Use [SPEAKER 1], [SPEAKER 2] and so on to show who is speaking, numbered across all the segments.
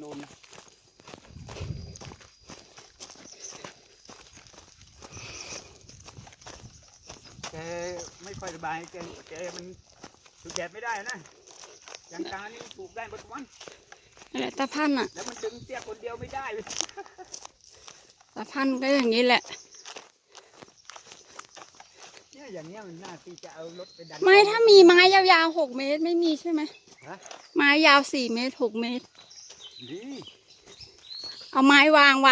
[SPEAKER 1] โน่นนะแกไม่ค่อยสบายแกมันถูกแดดไม่ได้นะอย่างตานี่ถูกได้หมดวัน
[SPEAKER 2] นั่นแหละตาพันธุ์อ่ะ
[SPEAKER 1] แล้วมันดึงเตี้ยคนเดียวไม่ได้
[SPEAKER 2] ตาพันธุ์ก็อย่างนี้แหละ
[SPEAKER 1] เนี่ยอย่างเงี้ยมันน่าที่จะเอารถไปดัน
[SPEAKER 2] ไม่ถ้ามีไม้ยาวๆ6 เมตรไม่มีใช่ไหม
[SPEAKER 1] ฮะ
[SPEAKER 2] ไม้ยาว4 เมตร6 เมตร
[SPEAKER 1] ดี
[SPEAKER 2] เอาไม้วาง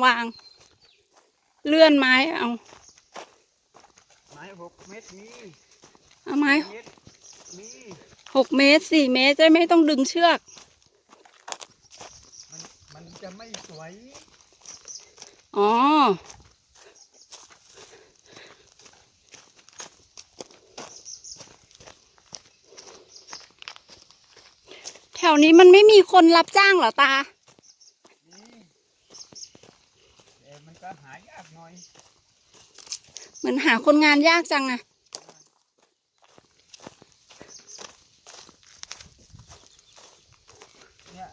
[SPEAKER 2] เลื่อนไม้เอา
[SPEAKER 1] ไม้6 เมตรมี
[SPEAKER 2] เอาไม้
[SPEAKER 1] เมตรมี
[SPEAKER 2] 6 เมตร4 เมตรจะไม่ต้องดึงเชือก
[SPEAKER 1] มันจะไม่สวย
[SPEAKER 2] อ๋อแถวนี้มันไม่มีคนรับจ้างเหรอตา
[SPEAKER 1] แต่มันก็หายากหน่อย
[SPEAKER 2] เหมือนหาคนงานยากจังอะ
[SPEAKER 1] เนี่ย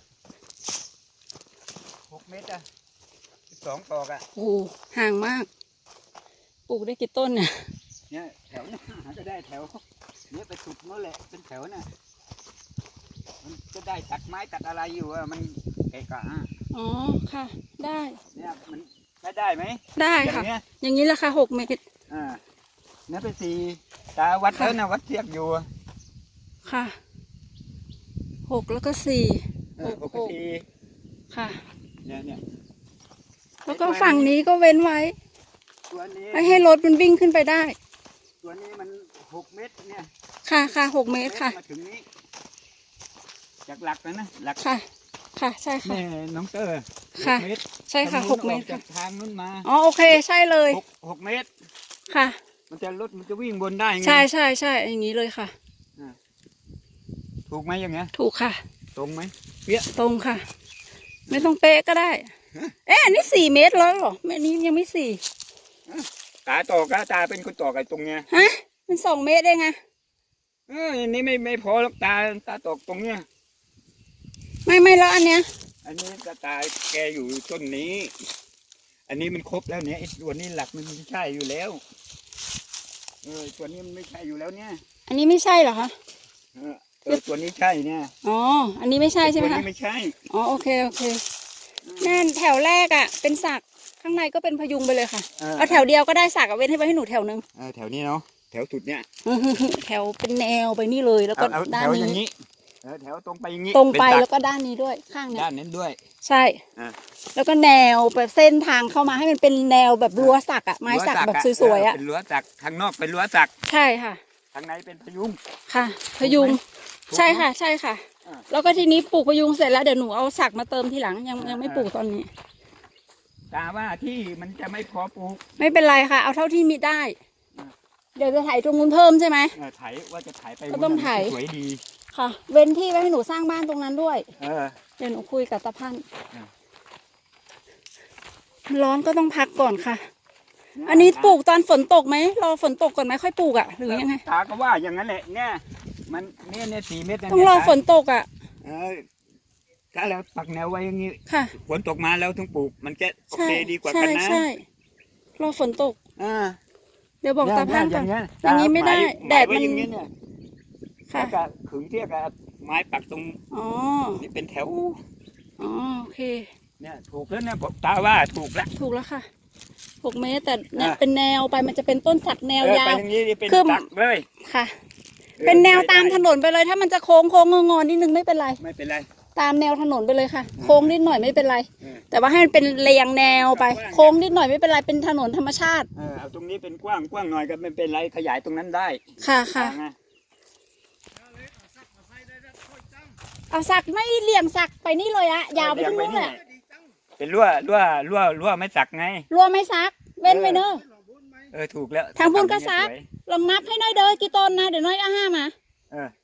[SPEAKER 1] 6 เมตรอะ12 ตอกอะ
[SPEAKER 2] โอ้โหห่างมาก ปลูกได้กี่ต้นเนี่ย
[SPEAKER 1] เนี่ยแถวเนี่ยหาก็ได้แถวเนี่ยไปสุดนั่นแหละเป็นแถวน่ะมันก็ได้ตัดไม้ตัดอะไรอยู่อะมันเกะกะอะ
[SPEAKER 2] อ๋อค่ะ ได้
[SPEAKER 1] เนี่ยมันใช้ได้ไหม
[SPEAKER 2] ได้
[SPEAKER 1] อย่า
[SPEAKER 2] ค่ะ
[SPEAKER 1] งเงี้ย
[SPEAKER 2] อย่างนี้ราคา6 เมตร
[SPEAKER 1] เนี่ยไป4 ตาวัดแล้วนะวัดเทียบอยู่
[SPEAKER 2] ค่ะ6แล้วก็4
[SPEAKER 1] ปกติ
[SPEAKER 2] ค่ะ
[SPEAKER 1] เนี่ย
[SPEAKER 2] แล้วก็ฝั่งนี้ก็เว้นไว้
[SPEAKER 1] ตัวนี้
[SPEAKER 2] ไม่ให้รถมันวิ่งขึ้นไปได้
[SPEAKER 1] ตัวนี้มัน6 เมตรเนี่ย
[SPEAKER 2] ค่ะ6 เมตรค่ะ
[SPEAKER 1] มาถึงนี้จากหลักนะหลัก
[SPEAKER 2] ค่ะ ค่ะใช่ค่ะ
[SPEAKER 1] แม่น้องเตอร์
[SPEAKER 2] ค่ะ
[SPEAKER 1] 6 เมตร
[SPEAKER 2] ใช่ค่ะ
[SPEAKER 1] ทางนู้น
[SPEAKER 2] 6 เมตร
[SPEAKER 1] ออกจา
[SPEAKER 2] ค่ะ
[SPEAKER 1] กทางนู้นมา
[SPEAKER 2] อ๋อโอเคใช่เลย
[SPEAKER 1] 6 เมตร
[SPEAKER 2] ค่ะ
[SPEAKER 1] มันจะรถมันจะวิ่งบนได้ไง
[SPEAKER 2] ใช่อย่างนี้เลยค่ะ
[SPEAKER 1] ถูกไหมอย่างเงี้ย
[SPEAKER 2] ถูกค่ะ
[SPEAKER 1] ตรงไหม
[SPEAKER 2] ตรงค่ะ ไม่ต้องเป๊ะก็ได้ เอ๊ะอันนี้4 เมตรแล้วเหรออันนี้ยังไม่4
[SPEAKER 1] ตาตอกตาเป็นคนตอกไอ้ตรงเนี้ย
[SPEAKER 2] ฮะมัน2 เมตรเองไง
[SPEAKER 1] อันนี้ไม่พอหรอกตาตอกตรงเนี้ย
[SPEAKER 2] ไม่แล้วอันเนี้ย
[SPEAKER 1] อันนี้ตาแกอยู่ต้นนี้ อันนี้มันครบแล้วเนี่ยไอ้ตัวนี้หลักมันไม่ใช่อยู่แล้วตัวนี้มันไม่ใช่อยู่แล้วเนี่ย
[SPEAKER 2] อันนี้ไม่ใช่เหรอคะ
[SPEAKER 1] ตัวนี้ใช่เนี่ย
[SPEAKER 2] อ๋ออันนี้ไม่ใช่ใช่ไหม
[SPEAKER 1] ตัว
[SPEAKER 2] คะ
[SPEAKER 1] นี้ไม่ใช่
[SPEAKER 2] อ๋อโอเคแน่นแถวแรกอ่ะเป็นสักข้างในก็เป็นพยุงไปเลยค่ะเอาแถวเดียวก็ได้สักเอาเว้นให้ไว้ให้หนูแถวนึง
[SPEAKER 1] แถวนี้เนาะแถวสุดเนี่ย
[SPEAKER 2] แถวเป็นแนวไปนี่เลยแล้วก็
[SPEAKER 1] เอา
[SPEAKER 2] ด้า
[SPEAKER 1] แถ
[SPEAKER 2] น
[SPEAKER 1] วอย่าง
[SPEAKER 2] นี้
[SPEAKER 1] นี้แถวตรงไปอย่างนี้
[SPEAKER 2] ตรงไป
[SPEAKER 1] เน
[SPEAKER 2] แล้วก็ด้านนี้ด้วยข้างเนี้ย
[SPEAKER 1] ด้านนั้นด้วย
[SPEAKER 2] ใช่
[SPEAKER 1] อ่า
[SPEAKER 2] แล้วก็แนวแบบเส้นทางเข้ามาให้มันเป็นแนวแบบรั้วสักอะไม้สักแบบสวยๆอะ
[SPEAKER 1] เป็นรั้วสักข้างนอกเป็นรั้วสัก
[SPEAKER 2] ใช่ค่ะ
[SPEAKER 1] ข้างในเป็นพยุง
[SPEAKER 2] ค่ะ พยุง
[SPEAKER 1] ถูกไหม
[SPEAKER 2] ใช่ค่ะใช่ค่ะ
[SPEAKER 1] อ่า
[SPEAKER 2] แล้วก็ทีนี้ปลูกพยุงเสร็จแล้วเดี๋ยวหนูเอาสักมาเติมทีหลังยังไม่ปลูกตอนนี้
[SPEAKER 1] ตาว่าที่มันจะไม่พอปลูก
[SPEAKER 2] ไม่เป็นไรค่ะ เอาเท่าที่มีได้
[SPEAKER 1] อ่า
[SPEAKER 2] เดี๋ยวจะถ่ายตรงนู้นเพิ่มใช่ไหม
[SPEAKER 1] ไถว่าจะไถไป
[SPEAKER 2] ก็ต้องไถ
[SPEAKER 1] สวยดี
[SPEAKER 2] ค่ะ เว้นที่ไว้ให้หนูสร้างบ้านตรงนั้นด้วย
[SPEAKER 1] เออ
[SPEAKER 2] เดี๋ยวหนูคุยกับตาพันธุ์
[SPEAKER 1] อ่า
[SPEAKER 2] ร้อนก็ต้องพักก่อนค่ะ อันนี้ปลูกตอนฝนตกไหมรอฝนตกก่อนไหมค่อยปลูกอ่ะหรือยังไง
[SPEAKER 1] ตาก็ว่าอย่างนั้นแหละเนี่ยมันเนี่ย4 เมตรนะ
[SPEAKER 2] ต้องรอ
[SPEAKER 1] เย
[SPEAKER 2] ฝนตกอ่ะ
[SPEAKER 1] ถ้าเราปักแนวไว้อย่างนี้
[SPEAKER 2] ค่ะ
[SPEAKER 1] ฝนตกมาแล้วถึงปลูกมันจะโอ
[SPEAKER 2] ใช่
[SPEAKER 1] เคดีกว่า
[SPEAKER 2] ใช่
[SPEAKER 1] กันนะ
[SPEAKER 2] ใช่รอฝนตก
[SPEAKER 1] อ่า
[SPEAKER 2] เดี๋ยวบอกตาพันธุ์ก่อน
[SPEAKER 1] เย
[SPEAKER 2] อย่างนี้ไม่ได้
[SPEAKER 1] ห
[SPEAKER 2] แดด
[SPEAKER 1] ไว้
[SPEAKER 2] มัน
[SPEAKER 1] อย่างนี้เนี่ย
[SPEAKER 2] ค่ะ
[SPEAKER 1] แล้วก็ขึงเทียบกับไม้ปักตรง
[SPEAKER 2] อ๋อ
[SPEAKER 1] นี่เป็นแถว
[SPEAKER 2] อ๋อโอเค
[SPEAKER 1] เนี่ยถูกแล้วเนี่ยผมตาว่าถูกแล้ว
[SPEAKER 2] ถูกแล้วค่ะ6 เมตรแต่เนี่ย
[SPEAKER 1] อ่ะ
[SPEAKER 2] เป็นแนวไปมันจะเป็นต้นสักแนวยา
[SPEAKER 1] ไป
[SPEAKER 2] ว
[SPEAKER 1] อย่างนี้เป็น
[SPEAKER 2] คือ
[SPEAKER 1] ตักเลย
[SPEAKER 2] ค่ะ เป็นแนวตามถนนไปเลยถ้ามันจะโค้งงอๆนิดนึงไม่เป็นไร
[SPEAKER 1] ไม่เป็นไร
[SPEAKER 2] ตามแนวถนนไปเลยค่ะ โค้งนิดหน่อยไม่เป็นไร
[SPEAKER 1] เออ
[SPEAKER 2] แต่ว่าให้มันเป็นเรียงแนวไป
[SPEAKER 1] กว้างๆ
[SPEAKER 2] โค้งนิดหน่อยไม่เป็นไรเป็นถนนธรรมชาติ
[SPEAKER 1] เอาตรงนี้เป็นกว้างหน่อยก็ไม่เป็นไรขยายตรงนั้นได้
[SPEAKER 2] ค่ะค่ะ
[SPEAKER 1] ไง
[SPEAKER 2] เอาสักไม่เลี่ยงสักไปนี่เลยอะยาวไปที่นู่นแหละ
[SPEAKER 1] เป็นรั่วไม่สักไง
[SPEAKER 2] รัวไม่ซักเว้นไปเนอะ
[SPEAKER 1] ถูกแล้ว
[SPEAKER 2] ทางพุ่นก็ซัก
[SPEAKER 1] สวย
[SPEAKER 2] ลองนับให้น้อยเด้อกี่ต้นนะเดี๋ยวน้อยเอา5มา
[SPEAKER 1] เออ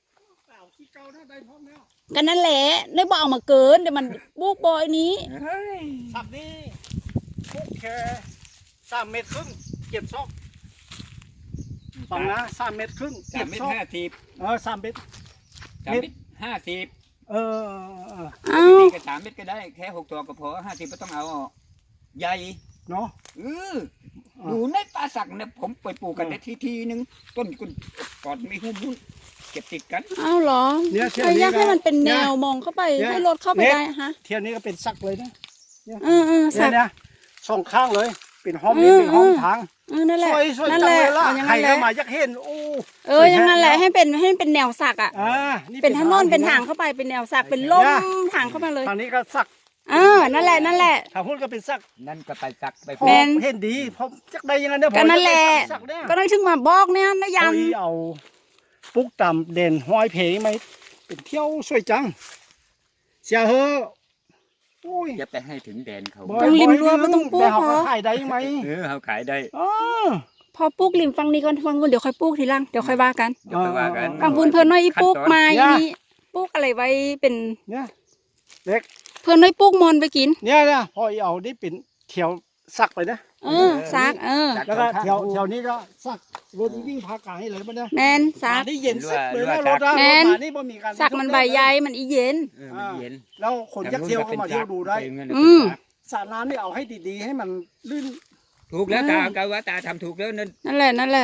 [SPEAKER 2] กันนั่นแหละได้บอกเอามาเกินเดี๋ยวมันบุกบอยนี้
[SPEAKER 1] เฮ้ย
[SPEAKER 3] สับนี้พวกแค่3 เมตรครึ่งเก็บซอกฟังนะ3 เมตรครึ่ง
[SPEAKER 1] 3 เมตร 50
[SPEAKER 3] 3 เมตร
[SPEAKER 1] 3 เมตร 50
[SPEAKER 3] เออ
[SPEAKER 2] เอ้า
[SPEAKER 1] ตีกับ3 เม็ดก็ได้แค่6 ตัวก็พอ50ไม่ต้องเอาออกใหญ่
[SPEAKER 3] เนาะ
[SPEAKER 1] อยู่ในป่าสักเนี่ยผมไปปลูกกันได้ทีนึงต้นก่อนมีหุ้มเก็บติดกัน
[SPEAKER 2] เอ้าเหรอ
[SPEAKER 3] เนี่ยเที่ยว
[SPEAKER 2] ใคร
[SPEAKER 3] นี้
[SPEAKER 2] อยากให้มันเป็นแนว
[SPEAKER 3] เนี่ย
[SPEAKER 2] มองเข้าไป
[SPEAKER 3] เนี่ย
[SPEAKER 2] ให้รถเข้าไป
[SPEAKER 3] เนี่ย
[SPEAKER 2] ได้ฮะ
[SPEAKER 3] เที่ยวนี้ก็เป็นสักเลยนะ
[SPEAKER 2] สัก
[SPEAKER 3] เนี่ยสองข้างเลยเป็นห้อง
[SPEAKER 2] อื
[SPEAKER 3] นี้
[SPEAKER 2] ม
[SPEAKER 3] เป็นห้องทาง
[SPEAKER 2] นั่นแหละ
[SPEAKER 3] สวย
[SPEAKER 2] นั่น
[SPEAKER 3] จั
[SPEAKER 2] แห
[SPEAKER 3] ง
[SPEAKER 2] ละ
[SPEAKER 3] เลยล่ะ
[SPEAKER 2] เอาอย่าง
[SPEAKER 3] ใคร
[SPEAKER 2] นั้นแห
[SPEAKER 3] ก็
[SPEAKER 2] ละ
[SPEAKER 3] มาอยากเห็นโอ้
[SPEAKER 2] อย่างนั้นแหละให้เป็นแนวสักอ่ะ
[SPEAKER 3] นี่
[SPEAKER 2] เป็นถนนเป็นทางเข้าไปเป็นแนวสักเป็นล่มทางเข้ามาเลย
[SPEAKER 3] ทางนี้ก็สัก
[SPEAKER 2] นั่นแหละ
[SPEAKER 3] ทางพูดก็เป็นสัก
[SPEAKER 1] นั่นก็ไปสักไป
[SPEAKER 3] พอ
[SPEAKER 2] แม่น
[SPEAKER 3] เห็นดีเพราะจักได้ยังไงเนี่ย
[SPEAKER 2] ก็นั่นแหละ
[SPEAKER 3] สักเนี่ย
[SPEAKER 2] ก็ได้ถึงมาบอกเนี่ยนะยั
[SPEAKER 3] เอา
[SPEAKER 2] ง
[SPEAKER 3] เอาปุ๊กต่ำเด่นห้อยเพลงไหมเป็นเที่ยวสวยจังเสียเหอะโอ้ย
[SPEAKER 1] จะไปให้ถึงแดนเขา
[SPEAKER 2] ต้องริมรั้วไม่ต้องปลูก
[SPEAKER 3] แต่เขา
[SPEAKER 2] พอ
[SPEAKER 3] ก็ขายได้ไหม
[SPEAKER 1] เขาขายได้
[SPEAKER 3] อ๋อ
[SPEAKER 2] พอปลูกริมฟังนี้ก่อนฟังบนเดี๋ยวค่อยปลูกทีหลังเดี๋ยวค่อยว่ากัน
[SPEAKER 1] เดี๋ยวไปว่ากัน
[SPEAKER 2] ฟังบุญเพื่อนน้อยอีปลูกไม้
[SPEAKER 3] เนี่ย
[SPEAKER 2] นี่ปลูกอะไรไว้เป็น
[SPEAKER 3] เนี่ยเล็ก
[SPEAKER 2] เพื่อนน้อยปลูกมอนไปกิน
[SPEAKER 3] เนี่ยนะพอเอาได้เป็นเที่ยวสักไปนะ
[SPEAKER 2] ซัก
[SPEAKER 3] แล้วก็แถวนี้ก็สักรถวิ่งพากลางให้เลยมันเนี่ย
[SPEAKER 2] แมนซัก
[SPEAKER 3] ได้เย็นสักเลยนะรถอะ
[SPEAKER 2] แม่น
[SPEAKER 3] รถมานี่บ่มีการ
[SPEAKER 2] ซักมันใบใหญ่มันอีเย็น
[SPEAKER 1] มันเย็น
[SPEAKER 3] แล้วคนยักษ์เที่ยวเข้ามาเที่ยวดูได้ สระน้ำนี่เอาให้ดีๆให้มันลื่น
[SPEAKER 1] ถูกแล้วตาก็ว่าตาทำถูกแล้วนั่น
[SPEAKER 2] นั่นแหละ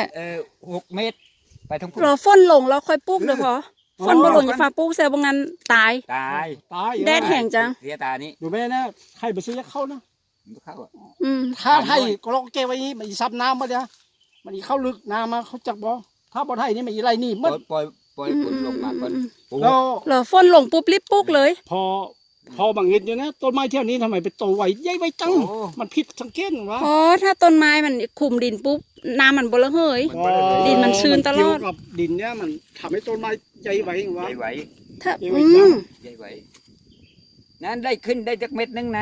[SPEAKER 1] 6 เมตร ไปทั้ง
[SPEAKER 2] รอฝนลงแล้วค่อยปลูกเดี๋ยวพอฝนบ่ลงอย่าฟ้าปลูกเสียบ่งั้นตาย
[SPEAKER 1] ตาย
[SPEAKER 3] ตาย
[SPEAKER 2] แดดแห้งจัง
[SPEAKER 1] เสียตานี้
[SPEAKER 3] ดูแม่นะใครไปซื้อยักษ์เข้านะ
[SPEAKER 1] เข้า
[SPEAKER 3] ถ้าไทยก็ลองเก็บไว้นี่มันอีซับน้ำมาเดี๋ยวมันอีเข้าลึกน้ำมาเขาจักบ่ถ้าบ่ไทยนี่มันอีไรนี่
[SPEAKER 1] ป
[SPEAKER 3] มัน
[SPEAKER 1] ล่อยฝนลงมาก่อน
[SPEAKER 3] แล้ว
[SPEAKER 2] รอฝนลงปุ๊บรีบปลูกเลย
[SPEAKER 3] พอบางเงินอยู่นะต้นไม้เที่ยวนี้ทำไมไปโตไวใหญ่ไวจังมันผิดสังเกตวะ
[SPEAKER 2] เพราะถ้าต้นไม้มันคลุมดินปุ๊บน้ำมันบ่ระเหย ดินมันชื้นตลอด
[SPEAKER 3] เกี่ยวกับดินเนี่ยมันทำให้ต้นไม้ใหญ่ไววะ
[SPEAKER 1] ใหญ่ไหว
[SPEAKER 2] ถ้า
[SPEAKER 1] ใหญ่ไหวนั้นได้ขึ้นได้จักเม็ดนึงนะ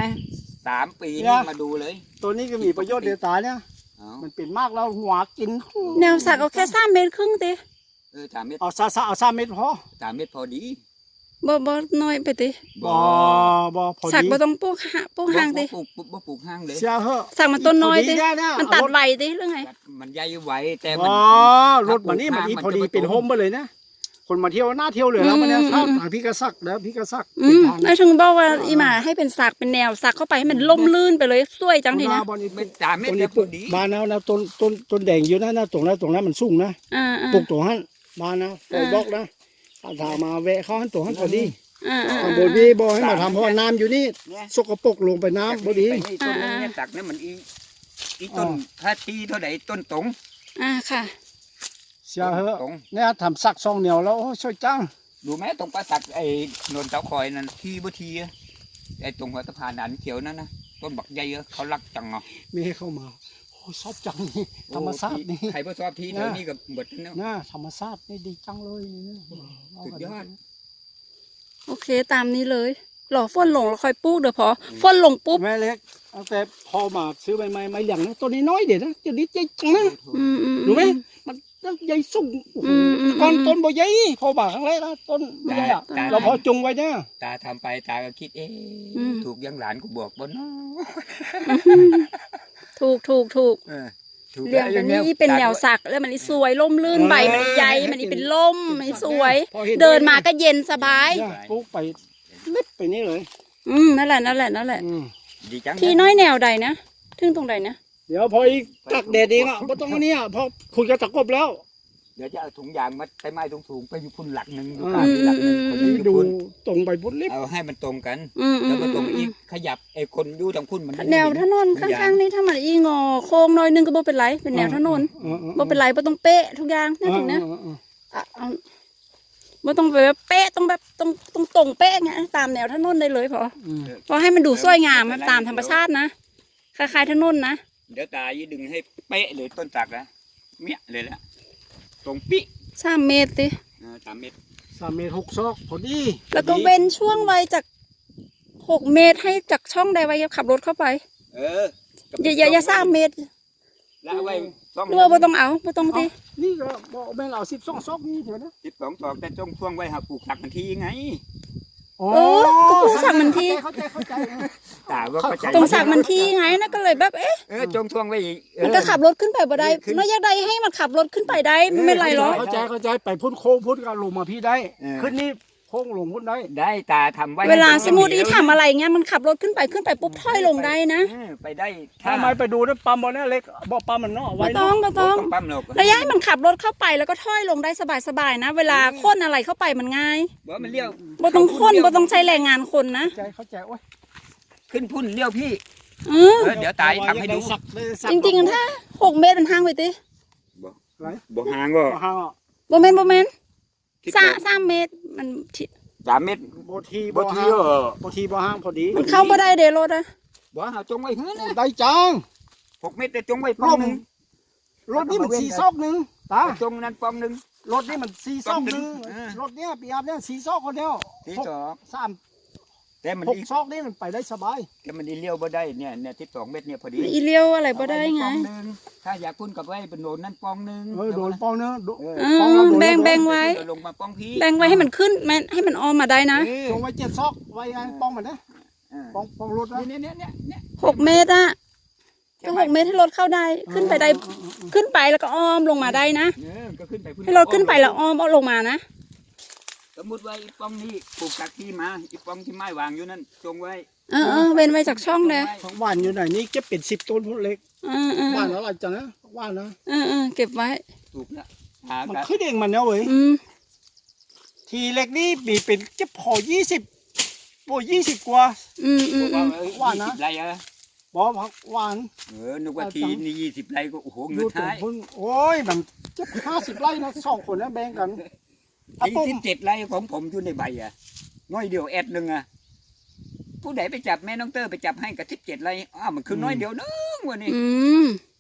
[SPEAKER 1] 3 ปีนี่มาดูเลย
[SPEAKER 3] ตัวนี้ก็มีประโยชน์เดียวตาเนี่ยมันเป็นมากแล้วหัวกิน
[SPEAKER 2] แนวสักเอาแค่3 เมตรครึ่งติ
[SPEAKER 1] 3 เม็ด
[SPEAKER 3] เอาเอา3 เม็ดพอ
[SPEAKER 1] 3 เม็ดพอดี
[SPEAKER 2] บ่น้อยไปติ
[SPEAKER 3] บ่พอดี
[SPEAKER 2] สักบ่ต้องปลูกห่างติ
[SPEAKER 1] บ่ปลูกห้างเลย
[SPEAKER 3] เสียเหอะ
[SPEAKER 2] สักมันต้นน้อยติ
[SPEAKER 3] พดีเนี่ย
[SPEAKER 2] มันตัดใบติหรือไง
[SPEAKER 1] มันใหญ่ไหวแต่
[SPEAKER 3] อ๋
[SPEAKER 1] มัน
[SPEAKER 3] อรถมันนี่มันอีพอดีเป็นโฮมไปเลยนะคนมาเที่ยวหน้าเที่ยวเลยแล้วมันเนี่ยถ้าพี่กระซักแล้วพี่กระซัก
[SPEAKER 2] ไอ้ถึงบอกว่าอีหมาให้เป็นสักเป็นแนวสักเข้าไปให้มันล่มลื่นไปเลยสวยจังทีนะ
[SPEAKER 3] บอลนี่
[SPEAKER 1] เป็น3 เม็ด
[SPEAKER 3] ต้น
[SPEAKER 1] แต่
[SPEAKER 3] นี้
[SPEAKER 1] พ
[SPEAKER 3] ปลู
[SPEAKER 1] อก ดี
[SPEAKER 3] บานนะต้นแดงอยู่นะตรงนั้นมันสูงนะ ปลูกตัวหันบานนะปลูกบล็อกนะถ้ามาแวะเข้าหันตัวหันพอดีข้างบนนี้บ่ให้มาทำเพราะว่าน้ำอยู่นี่สกปรกลงไปน้ำพอดี
[SPEAKER 1] ต้นนี้ตักนี่มันอีต้นถ้าตีเท่าใดต้นตรง
[SPEAKER 2] ค่ะ
[SPEAKER 3] เสียเหอะเนี่ยทำสักซองเหนียวแล้วช่วยจัง
[SPEAKER 1] ดูไหมตรงปราสักไอ้นนเสาคอยนั่นที่บ่ทีไอ้ตรงหัวสะพานอันเขียวนั่นนะต้นบักใหญ่เขารักจังเนาะ
[SPEAKER 3] ไม่ให้เข้ามาโอ้ชอบจังนี่ธรรมชาตินี่
[SPEAKER 1] ใครบ่ชอบที่แถวนี้ก็หมดแล้ว
[SPEAKER 3] น่าธรรมชาตินี่ดีจังเลยนี่
[SPEAKER 1] สุดยอด
[SPEAKER 2] โอเคตามนี้เลยรอฝนลงแล้วค่อยปลูกเดี๋ยวพอฝนลงปุ๊บ
[SPEAKER 3] แม่เล็กตั้งแต่พอมาซื้อใบไม้เหลี่ยงนะตัวนี้น้อยเด็ดนะตัวนี้ใหญ่จังนะรู้ไหมมันใหญ่สูงก้อนต้นบ่ใหญ่พอมาครั้งแรกนะต้นไม่ใหญ่อะเราพอจงไว้เนี่ย
[SPEAKER 1] ตาทำไปตาก็คิดถูกยังหลานกูบอกบ่เนาะ
[SPEAKER 2] ถูกถูกเรื่องอันนี้เป็นแนวสักแล้วมันสวยล่มลื่นใบมันใหญ่มันเป็นล่มมันสวย เดินมาก็เย็นสบาย
[SPEAKER 3] ปลูกไปมิดไปนี่เลย
[SPEAKER 2] นั่นแหละ
[SPEAKER 1] ดีจัง
[SPEAKER 2] ที่น้อยแนวใดนะถึงตรงใดนะ
[SPEAKER 3] เดี๋ยวพออีกตักแดดเองอ่ะเพราะตรงนี้พอคุยกับตะกบแล้ว
[SPEAKER 1] เดี๋ยวจะเอาถุงยางมัดใช้ไม้สูงๆไปอยู่พุ่นหลักนึงอยู่กลางหลักนึงคนอยู่
[SPEAKER 3] ดู
[SPEAKER 1] พุ่น
[SPEAKER 3] ตรงไปพุ่นลิบ
[SPEAKER 1] เอาให้มันตรงกันแล้วก็ตรงอีกขยับไอ้คนอยู่ทางพุ่นมัน
[SPEAKER 2] แนวถนนข้างๆนี่ถ้ามันอีงอโค้งน้อยนึงก็บ่เป็นไรเป็นแนวถนนบ่เป็นไรบ่ต้องเป๊ะทุกอย่างนั่นถึงนะบ่ต้องแบบเป๊ะต้องแบบต้องตรงเป๊ะไงตามแนวถนนได้เลยพอให้มันดูสวยงามตามธรรมชาตินะคล้ายๆถนนนะ
[SPEAKER 1] เดี๋ยวตายี่ดึงให้เป๊ะเลยต้นสักนะเมี่ยเลยละตรงปิ๊
[SPEAKER 2] 3 เมตรสิ
[SPEAKER 1] 3 เมตร
[SPEAKER 3] 3 เมตร 6 ซอกพอดี
[SPEAKER 2] แล้วก็เว้นช่วงไว้จาก6 เมตรให้จากช่องใดไว้ขับรถเข้าไปอย่า3 เมตร
[SPEAKER 1] แล้วไว้
[SPEAKER 2] หรือว่าบ่ต้องเอาบ่ต้องติ
[SPEAKER 3] นี่ก็บอกแม่เรา12 ซอกนี่เถอะนะ
[SPEAKER 1] 12 ตอกแต่ช่วงไว้หาปลูกสักทันทีไง
[SPEAKER 2] ก็ปลูกสักมันที
[SPEAKER 3] เข้าใจ
[SPEAKER 1] ตาว่าเข้าใจ
[SPEAKER 2] ตรงสักมันทีไงนะก็เลยแบบ
[SPEAKER 1] ช่วงไว้อีก
[SPEAKER 2] มันก็ขับรถขึ้นไปบ่ได้น้อยอยากได้ให้มันขับรถขึ้นไปได้ไม่เป็นไรหรอก
[SPEAKER 3] เข้าใจไปพุ่นโค้งพุ่นก็ลงมาพี่ได้ขึ้นนี่โคค้งลงพุ่นได้
[SPEAKER 1] ได้ตาทำไว้
[SPEAKER 2] เวลาสมมุติอีทำอะไรเงี้ยมันขับรถขึ้นไปปุ๊บถอยลงได้นะ
[SPEAKER 1] ไปได้
[SPEAKER 3] ถ้าไม่ไปดูนะปั๊มบ่เนี่ยเล็กบ่ปั๊มมันเนาะเอาไว้
[SPEAKER 2] บ่ต้อง
[SPEAKER 1] ปั๊มหรอก
[SPEAKER 2] ระยะให้มันขับรถเข้าไปแล้วก็ถอยลงได้สบายๆนะ เวลาค้นอะไรเข้าไปมันง่าย
[SPEAKER 1] บ่มันเลี้ยว
[SPEAKER 2] บ่ต้องค้นบ่ต้องใช้แรงงานคนนะ
[SPEAKER 3] เข้าใจโอ้ย
[SPEAKER 1] ขึ้นพุ่นเลี้ยวพี่
[SPEAKER 2] อือ
[SPEAKER 1] เดี๋ยวตายทำให้ดู
[SPEAKER 2] จริงๆถ้า6 เมตรมันห่างไปติ
[SPEAKER 1] บ่ห่างก็
[SPEAKER 3] ห่างอ่ะ
[SPEAKER 2] บ่แม่น3 เมตรมันที่
[SPEAKER 1] 3 เมตร
[SPEAKER 3] บ่ที
[SPEAKER 1] บ่
[SPEAKER 3] บ่
[SPEAKER 1] ที
[SPEAKER 3] ห่าง
[SPEAKER 1] ก็
[SPEAKER 3] บ่ทีบ่ห่างพอดี
[SPEAKER 2] มันเข้าบ่ได้เด้รถอะ
[SPEAKER 1] บ่หาจงไว้หื้อนะ
[SPEAKER 3] ได้จัง
[SPEAKER 1] 6 เมตรแต่จงไว้ป้องหนึง
[SPEAKER 3] รถนี่มัน4ซอกนึงตา
[SPEAKER 1] จงนั้นป้องหนึง
[SPEAKER 3] รถนี่มัน4ซอกนึงรถเนี้ยปีอัพเนี่ย4ซอกคนเดียว
[SPEAKER 1] ที่สอง
[SPEAKER 3] 3
[SPEAKER 1] แต่มัน
[SPEAKER 3] 6ซอกนี่มันไปได้สบาย
[SPEAKER 1] แต่มันเลี้ยวบ่ได้เนี่ย12 เมตรเนี่ยพอดี
[SPEAKER 2] อีเลี้ยวอะไรบ่ได้ไง
[SPEAKER 1] ป้องหนึ่งถ้าอยากพุ่นกับไว้เป็นโดนนั่นป้องหนึง
[SPEAKER 3] โดนป้องเนื้อ
[SPEAKER 2] แบ่งไว้
[SPEAKER 1] ลงมาป้องพี่
[SPEAKER 2] แบ่งไว้ให้มันขึ้นให้มันออมมาได้นะ
[SPEAKER 3] จงไว้7ซอกไว้ไงป้องมันนะป้องรถนะ
[SPEAKER 1] เนี่ย
[SPEAKER 2] 6 เมตรอะก็6 เมตรให้รถเข้าได้ขึ้นไปได้ขึ้นไปแล้วก็อ้อมลงมาได้นะ
[SPEAKER 1] ก็ขึ้นไปพุ่น
[SPEAKER 2] ให้รถขึ้นไปแล้วอ้อมเอาลงมานะ
[SPEAKER 1] สมมุติว่าอีป้องนี่ปลูกจากที่มาอีป้องที่ไม้วางอยู่นั่นจงไว้
[SPEAKER 2] เว้นไว้จากช่องเด้อ
[SPEAKER 3] ของบ้านอยู่ไหนนี่เก็บเป็น10 ต้นพุ่นเล็กบ้านอะไรจังนะบ้านนะ
[SPEAKER 2] เก็บไว้
[SPEAKER 1] ถูกแล้ว
[SPEAKER 3] มันขึ้นเองมันเนาะเว้ยทีเล็กนี่มีเป็นเก็บพอ20โอ้20กว่า
[SPEAKER 1] ว่านะไรอะ
[SPEAKER 3] บ่ผักหวาน
[SPEAKER 1] นึกว่าทีนี่20 ไรก็โอ้โหเงินท้าย
[SPEAKER 3] โอ้ยมันเก็บ50 ไร่นะ2 คนนะแบ่งกัน
[SPEAKER 1] ที่7 ไรของผมอยู่ในใบอ่ะน้อยเดียวแอดนึงอ่ะผู้ใดไปจับแม่น้องเตอร์ไปจับให้กับ17 ไรมันคือน้อยเดียวนึงวะนี่